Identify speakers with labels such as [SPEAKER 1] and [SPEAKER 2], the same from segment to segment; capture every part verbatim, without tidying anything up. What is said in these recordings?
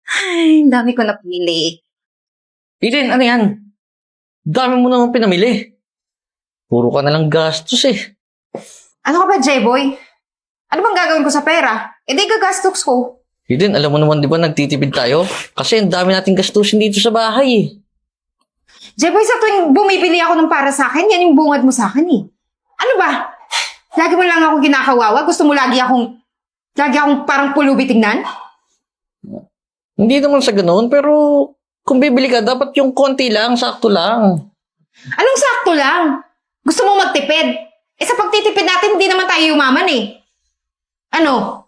[SPEAKER 1] Ay, ang dami ko napili.
[SPEAKER 2] Eden, ano yan? Dami mo naman pinamili. Puro ka na lang gastos eh.
[SPEAKER 1] Ano ka ba, J-Boy? Ano bang gagawin ko sa pera? E di gagastos ko.
[SPEAKER 2] Eden, alam mo naman di ba nagtitipid tayo? Kasi ang dami nating gastusin dito sa bahay eh.
[SPEAKER 1] J-Boy, sa tuwing bumibili ako ng para sa akin, yan yung bungad mo sa akin eh. Ano ba? Lagi mo lang ako kinakawawa? Gusto mo lagi akong, lagi akong parang pulubi tingnan?
[SPEAKER 2] Hindi naman sa ganoon, pero kung bibili ka, dapat yung konti lang, sakto lang.
[SPEAKER 1] Anong sakto lang? Gusto mo magtipid? Eh sa pagtitipid natin, hindi naman tayo yumaman eh. Ano?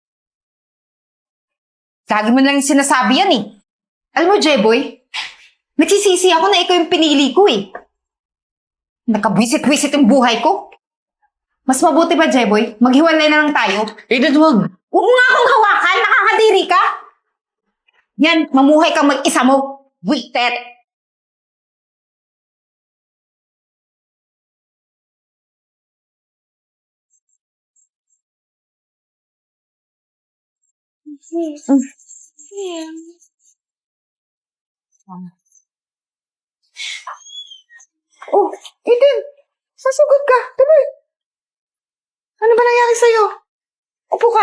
[SPEAKER 1] Lagi mo lang sinasabi yan eh. Alam mo, J-Boy, nagsisisi ako na ikaw yung pinili ko eh. Nakabwisit-wisit yung buhay ko. Mas mabuti ba, J-Boy? Maghiwalay na lang tayo.
[SPEAKER 2] Eden, wag.
[SPEAKER 1] Huwag mo nga akong hawakan, nakakadiri ka. Yan, mamuhay kang mag-isa mo. Wicked. Oh, Eden, sasugod ka. Tuloy. Ano ba nangyari sa'yo? Upo ka.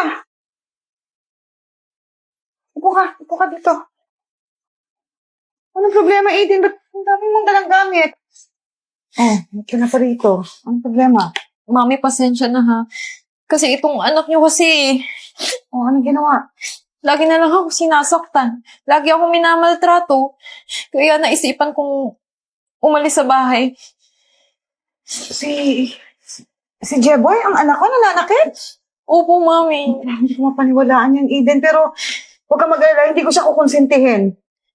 [SPEAKER 1] Upo ka. Upo ka dito. Anong problema, Eden? Ba't ang dami mong dalang gamit? Oh, ito na pa rito. Anong problema?
[SPEAKER 3] Mami, pasensya na ha. Kasi itong anak niyo kasi,
[SPEAKER 1] Oh, anong ginawa?
[SPEAKER 3] lagi na lang ako sinasaktan. Lagi ako minamaltrato. Kaya naisipan kong umalis sa bahay.
[SPEAKER 1] Si... Si Jeboy, ang anak ko, nananakit.
[SPEAKER 3] Opo, Mami.
[SPEAKER 1] Hindi ko mapaniwalaan yan, Eden. Pero huwag ka mag-alala, hindi ko siya kukonsintihin.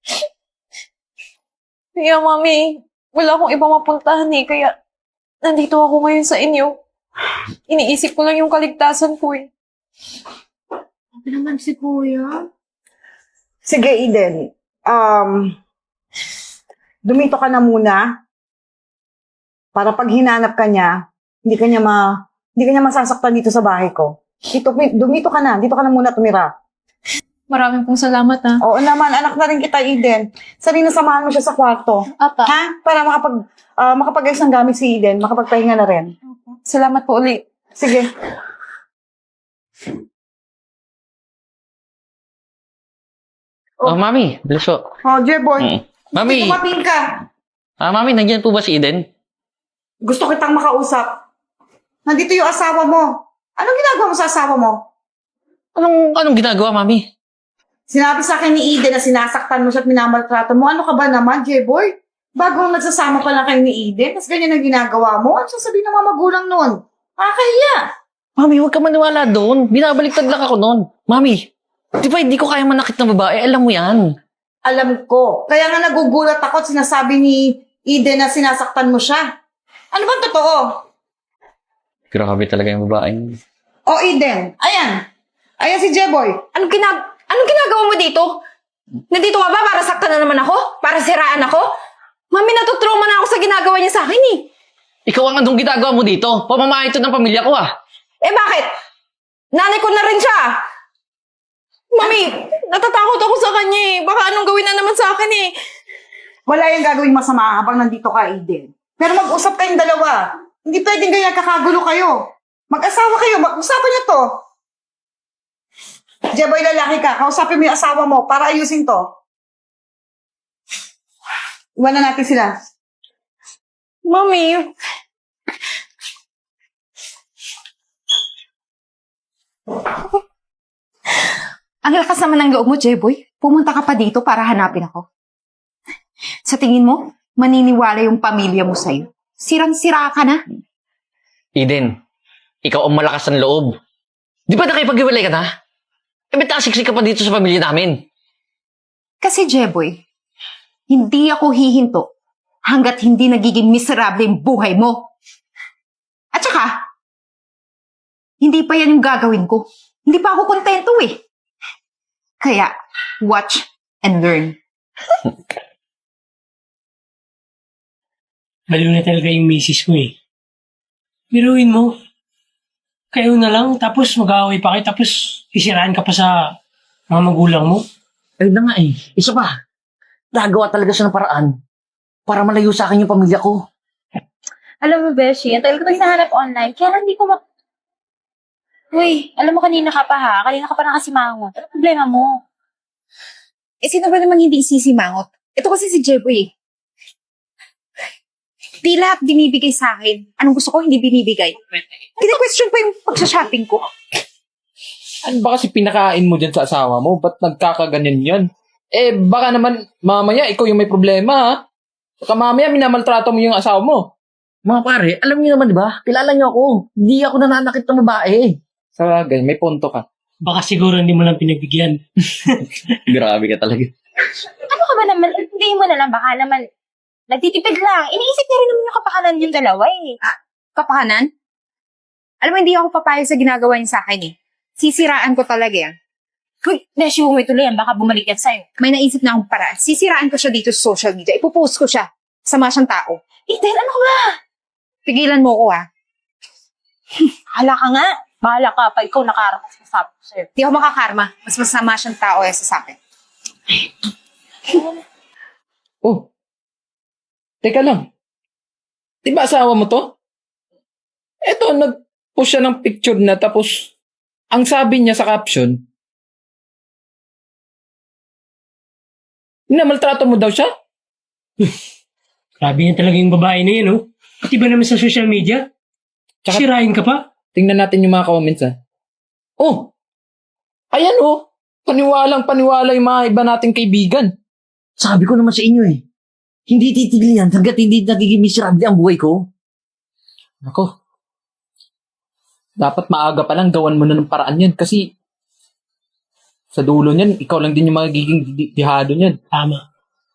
[SPEAKER 3] Kaya, Mami, wala akong iba mapuntahan eh. Kaya nandito ako ngayon sa inyo. Iniisip ko lang yung kaligtasan ko eh.
[SPEAKER 1] Ano naman si Kuya?
[SPEAKER 4] Sige, Eden. Um, dumito ka na muna para pag hinanap ka niya, hindi ka niya, ma, hindi ka niya masasaktan dito sa bahay ko. Dito, dumito ka na. Dito ka na muna tumira.
[SPEAKER 3] Maraming pong salamat ha.
[SPEAKER 4] Oo naman, anak na rin kita, Eden. Sabi na samahan mo siya sa kwarto.
[SPEAKER 3] Apa.
[SPEAKER 4] Ha? Para makapag, uh, makapag-ayos ng gamit si Eden. Makapagpahinga na rin.
[SPEAKER 3] Salamat po ulit.
[SPEAKER 4] Sige.
[SPEAKER 2] Oh, mami, bilis po.
[SPEAKER 4] Oh, Jeboy.
[SPEAKER 2] Mm. Mami,
[SPEAKER 4] Tumating ka.
[SPEAKER 2] ah, mami, nandiyan po ba si Eden?
[SPEAKER 4] Gusto kitang makausap. Nandito yung asawa mo. Anong ginagawa mo sa asawa mo?
[SPEAKER 2] Anong, anong ginagawa, mami?
[SPEAKER 4] Sinabi sa akin ni Eden na sinasaktan mo siya at minamaltrato mo. Ano ka ba naman, J-Boy? Bagong nagsasama pa lang kayo ni Eden, tapos ganyan ang ginagawa mo. Ano sasabihin ng mga magulang nun? Nakakahiya.
[SPEAKER 2] Mami, huwag ka maniwala doon. Binabaliktad lang ako noon. Mami, di ba hindi ko kaya manakit ng babae? Alam mo yan.
[SPEAKER 4] Alam ko. Kaya nga nagugulat ako at sinasabi ni Eden na sinasaktan mo siya. Ano bang totoo?
[SPEAKER 2] Grabe talaga yung babae.
[SPEAKER 4] O Eden, ayan. Ayan si J-Boy.
[SPEAKER 1] Anong, ginag anong ginagawa mo dito? Nandito ka ba para saktan na naman ako? Para siraan ako? Mami, natutrauma na ako sa ginagawa niya sa akin eh.
[SPEAKER 2] Ikaw ang anong ginagawa mo dito? Pamamahay ito ng pamilya ko ah.
[SPEAKER 1] Eh bakit? Nanay ko na rin siya. Mami, natatakot ako sa kanya eh. Baka anong gawin na naman sa akin eh.
[SPEAKER 4] Wala yung gagawing masama habang nandito ka, Eden. Pero mag-usap kayong dalawa. Hindi pwedeng ganyan kakagulo kayo. Mag-asawa kayo. Mag-usapan niyo to. J-Boy, lalaki ka. Kausapin mo yung asawa mo para ayusin to. Iwan na natin sila.
[SPEAKER 1] Mami, ang lakas naman ng loob mo, J-Boy. Pumunta ka pa dito para hanapin ako. Sa tingin mo, maniniwala yung pamilya mo sa'yo. Sirang-sira ka na.
[SPEAKER 2] Eden, ikaw ang malakas ng loob. Di ba nakipag-iwalay ka na? Eh, ba't nakasiksik ka pa dito sa pamilya namin?
[SPEAKER 1] Kasi, J-Boy, hindi ako hihinto hanggat hindi nagiging miserable yung buhay mo. At saka, hindi pa yan yung gagawin ko. Hindi pa ako kontento eh. Kaya, watch and learn.
[SPEAKER 5] Baliw na talaga yung misis mo eh. Biruin mo. Kayo na lang, tapos mag-aaway pa kayo, tapos isiraan ka pa sa mga magulang mo.
[SPEAKER 2] Ayun na nga eh. Isa pa. Nagawa talaga siya ng paraan para malayo sa akin yung pamilya ko.
[SPEAKER 6] Alam mo, Beshi, ang tagal ko ito hinahanap online, kaya lang hindi ko ma... Uy, alam mo kanina ka pa ha? Kanina ka pa nakasimangot. Ano problema mo?
[SPEAKER 1] Eh, sino ba namang hindi isisimangot? Ito kasi si Jeboy eh. Di lahat binibigay sa akin. Anong gusto ko, hindi binibigay. Kini-question pa yung pagsha-shopping ko.
[SPEAKER 7] Ano ba kasi pinakain mo dyan sa asawa mo? Ba't nagkakaganyan yan? Eh, baka naman mamaya ikaw yung may problema, ha? Baka mamaya minamaltrato mo yung asawa mo.
[SPEAKER 2] Mga pare, alam niyo naman di ba? Kilala niyo ako. Hindi ako nananakit ng babae.
[SPEAKER 7] Sa bagay, may punto ka.
[SPEAKER 5] Baka siguro hindi mo lang pinagbigyan.
[SPEAKER 2] Grabe ka talaga.
[SPEAKER 6] Ano ka ba naman? Hindi mo na lang, baka naman nagtitipid lang. Iniisip niya rin naman yung kapakanan yung dalawa eh.
[SPEAKER 1] Kapakanan? Alam mo, hindi ako papayag sa ginagawa niya sa akin eh. Sisiraan ko talaga yan.
[SPEAKER 6] Uy, Beshi, huwag mo ituloy yan. Baka bumalik yan sa'yo.
[SPEAKER 1] May naisip na akong paraan. Sisiraan ko siya dito sa social media. Ipopost ko siya. Sama siyang tao.
[SPEAKER 6] Eden, ano ka ba?
[SPEAKER 1] Pigilan mo ko ha.
[SPEAKER 6] Hala ka nga. Bahala ka pa. Ikaw nakarapas sa sabi ko sa'yo.
[SPEAKER 1] Di ako makakarma. Mas masama siyang tao eh sa akin.
[SPEAKER 7] Oh, teka lang. Di ba asawa mo to? Eto, nag-post siya ng picture na tapos ang sabi niya sa caption, minamaltrato mo daw siya?
[SPEAKER 5] Grabe yan talaga yung babae na yun, oh. Pati ba naman sa social media?
[SPEAKER 7] Tsaka-
[SPEAKER 5] Sirain ka pa?
[SPEAKER 7] Tingnan natin yung mga comments, ha? Oh, ayan oh. Paniwalang paniwala yung mga iba nating kaibigan.
[SPEAKER 2] Sabi ko naman sa inyo eh. Hindi titigil yan hanggat hindi nagiging miserable ang buhay ko.
[SPEAKER 7] Ako, dapat maaga pa lang gawan mo na ng paraan yan kasi sa dulo niyan, ikaw lang din yung magiging di- dihado niyan.
[SPEAKER 5] Tama.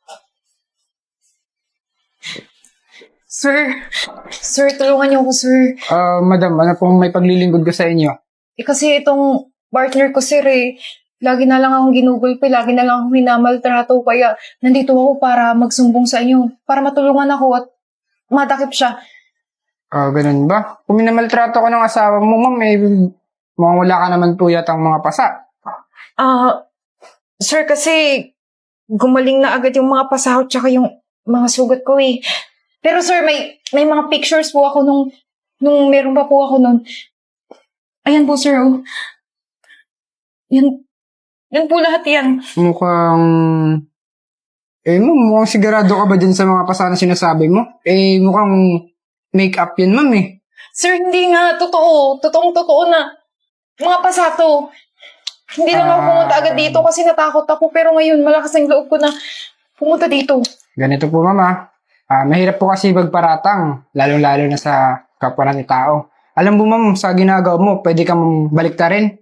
[SPEAKER 3] Sir, sir, tulungan niyo ako, sir.
[SPEAKER 8] Ah, madam, ano pong may paglilingkod ko sa inyo?
[SPEAKER 3] Eh, kasi itong partner ko, sir, eh, lagi na lang akong ginugulpi, lagi na lang akong minamaltrato, kaya nandito ako para magsumbong sa inyo, para matulungan ako at matakip siya.
[SPEAKER 8] Ah, ganun ba? Kung minamaltrato ko ng asawa mo, ma'am, eh, mukhang wala ka naman po yatang mga pasa.
[SPEAKER 3] Ah, sir, kasi gumaling na agad yung mga pasahod tsaka yung mga sugat ko eh. Pero sir, may may mga pictures po ako nung nung meron pa po ako nun. Ayan po, sir, oh. Yan, yan po lahat yan.
[SPEAKER 8] Mukhang... Eh, ma'am, mukhang sigurado ka ba dyan sa mga pasa na sinasabi mo? Eh, mukhang make-up yan, ma'am, eh.
[SPEAKER 3] Sir, hindi nga. Totoo. Totoong totoo na. Mga pasato. Hindi lang ako
[SPEAKER 8] Ah.
[SPEAKER 3] pumunta agad dito kasi natakot ako. Pero ngayon, malakas ang loob ko na pumunta dito.
[SPEAKER 8] Ganito po, ma'am, ah. Ah, mahirap po kasi magparatang, lalong-lalo na sa kapwa ng tao. Alam mo, ma'am, sa ginagawa mo, pwede kang baliktarin.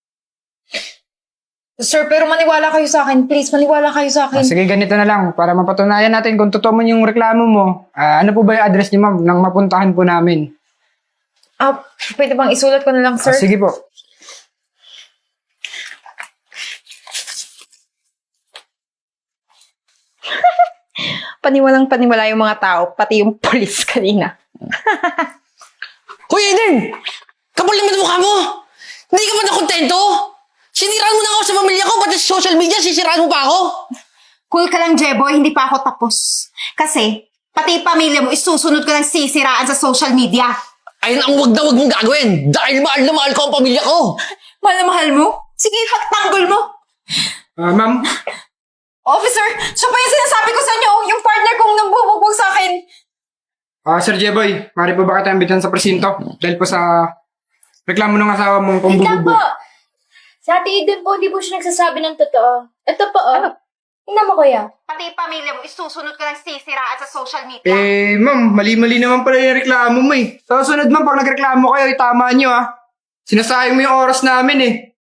[SPEAKER 3] Sir, pero maniwala kayo sa akin. Please, maniwala kayo sa
[SPEAKER 8] Ah,
[SPEAKER 3] akin.
[SPEAKER 8] sige, ganito na lang. Para mapatunayan natin kung totoo man yung reklamo mo. Ah, ano po ba yung address niyo, ma'am, nang mapuntahan po namin?
[SPEAKER 3] Ah, pwede bang isulat ko na lang,
[SPEAKER 8] Ah,
[SPEAKER 3] sir?
[SPEAKER 8] sige po.
[SPEAKER 1] Paniwalang paniwala yung mga tao, pati yung polis kanina.
[SPEAKER 2] Hoy, Eden! Kapal naman ang mukha mo! Hindi ka ba nakontento? Siniraan mo na ako sa pamilya ko, pati sa social media, sisiraan mo pa ako?
[SPEAKER 1] Cool ka lang, Jeboy, hindi pa ako tapos. Kasi, pati pamilya mo, isusunod ko ng sisiraan sa social media.
[SPEAKER 2] Ayun ang wag na wag mong gagawin dahil mahal na mahal ko ang pamilya ko.
[SPEAKER 1] Mahal na mahal mo? Sige, pagtanggol mo.
[SPEAKER 8] Ah, ma'am,
[SPEAKER 3] Officer, siya pa yung sinasabi ko sa inyo. Yung partner kong nambubugbog sa akin.
[SPEAKER 8] ah, Sir Jeboy, maaari po ba kita imbitan sa presinto? Dahil po sa reklamo ng asawa mong
[SPEAKER 6] Ikaw
[SPEAKER 8] pambubugbog.
[SPEAKER 6] po! Sa Ate Eden po, hindi po siya nagsasabi ng totoo. Ito po, oh. Tingnan mo, kuya.
[SPEAKER 1] Pati pamilya mo, isusunod ko ng sisiraan sa social media.
[SPEAKER 8] Eh, ma'am, mali-mali naman pala yung reklamo mo eh. Sa sunod, ma'am, pag nagreklamo kayo, itama nyo ah. Sinasayang mo yung oras namin eh.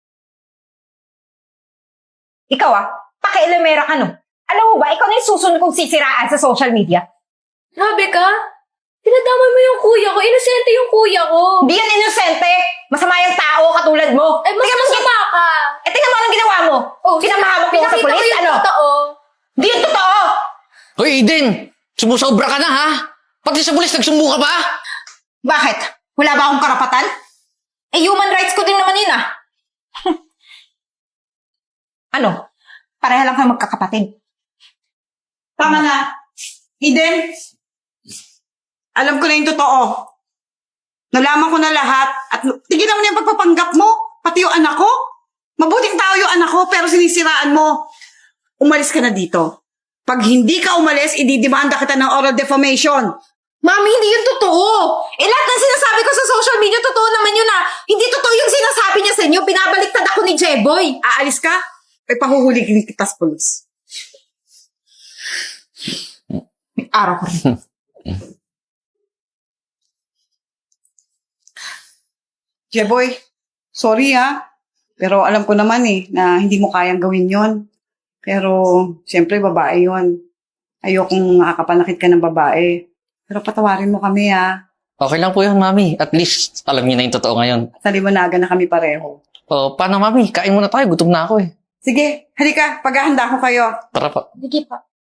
[SPEAKER 1] Ikaw ah, pakialamera ka no. Alam mo ba, ikaw na yung susunod kong sisiraan sa social media.
[SPEAKER 6] Grabe ka? Tinadamay mo yung kuya ko. Inosente yung kuya ko.
[SPEAKER 1] Hindi yan inosente. Masama yung tao katulad mo.
[SPEAKER 6] Eh, mas
[SPEAKER 1] Tingnan mo,
[SPEAKER 6] masama ka.
[SPEAKER 1] eh, tingnan mo anong ginawa mo.
[SPEAKER 6] Oh,
[SPEAKER 1] Pinamahamak mo ako sa
[SPEAKER 6] pinakita
[SPEAKER 1] polis,
[SPEAKER 6] ko yung
[SPEAKER 1] ano?
[SPEAKER 6] totoo.
[SPEAKER 1] Hindi yung totoo.
[SPEAKER 2] Hoy, Eden! Sumusobra ka na, ha? Pati sa pulis, nagsumbo ka pa?
[SPEAKER 1] Bakit? Wala ba akong karapatan? Eh, human rights ko din naman yun ah. Ano? Pareha lang kayo magkakapatid.
[SPEAKER 4] Tama na. Eden, alam ko na yung totoo. Nalaman ko na lahat at tigilan mo na yung pagpapanggap mo, pati yung anak ko. Mabuting tao yung anak ko pero sinisiraan mo. Umalis ka na dito. Pag hindi ka umalis, ididimanda kita ng oral defamation.
[SPEAKER 1] Mami, hindi yun totoo. Eh, lahat ng sinasabi ko sa social media, totoo naman yun ah. Hindi totoo yung sinasabi niya sa inyo. Binabaliktad ako ni Jeboy.
[SPEAKER 4] Aalis ka? Ay pahuhuligin kita sa polis.
[SPEAKER 1] May araw ko rin.
[SPEAKER 4] Jeboy, sorry ah. Pero alam ko naman eh, na hindi mo kayang gawin yon. Pero, siyempre, babae yon. Ayokong makakapanakit ka ng babae. Pero patawarin mo kami ah.
[SPEAKER 2] Okay lang po yun, Mami. At least, alam niyo na yung totoo ngayon.
[SPEAKER 4] Sa liwanagan na kami pareho.
[SPEAKER 2] O, paano, Mami? Kain muna tayo. Gutom na ako eh.
[SPEAKER 4] Sige, halika. Paghahanda ko kayo.
[SPEAKER 2] Tara pa.
[SPEAKER 6] Sige pa.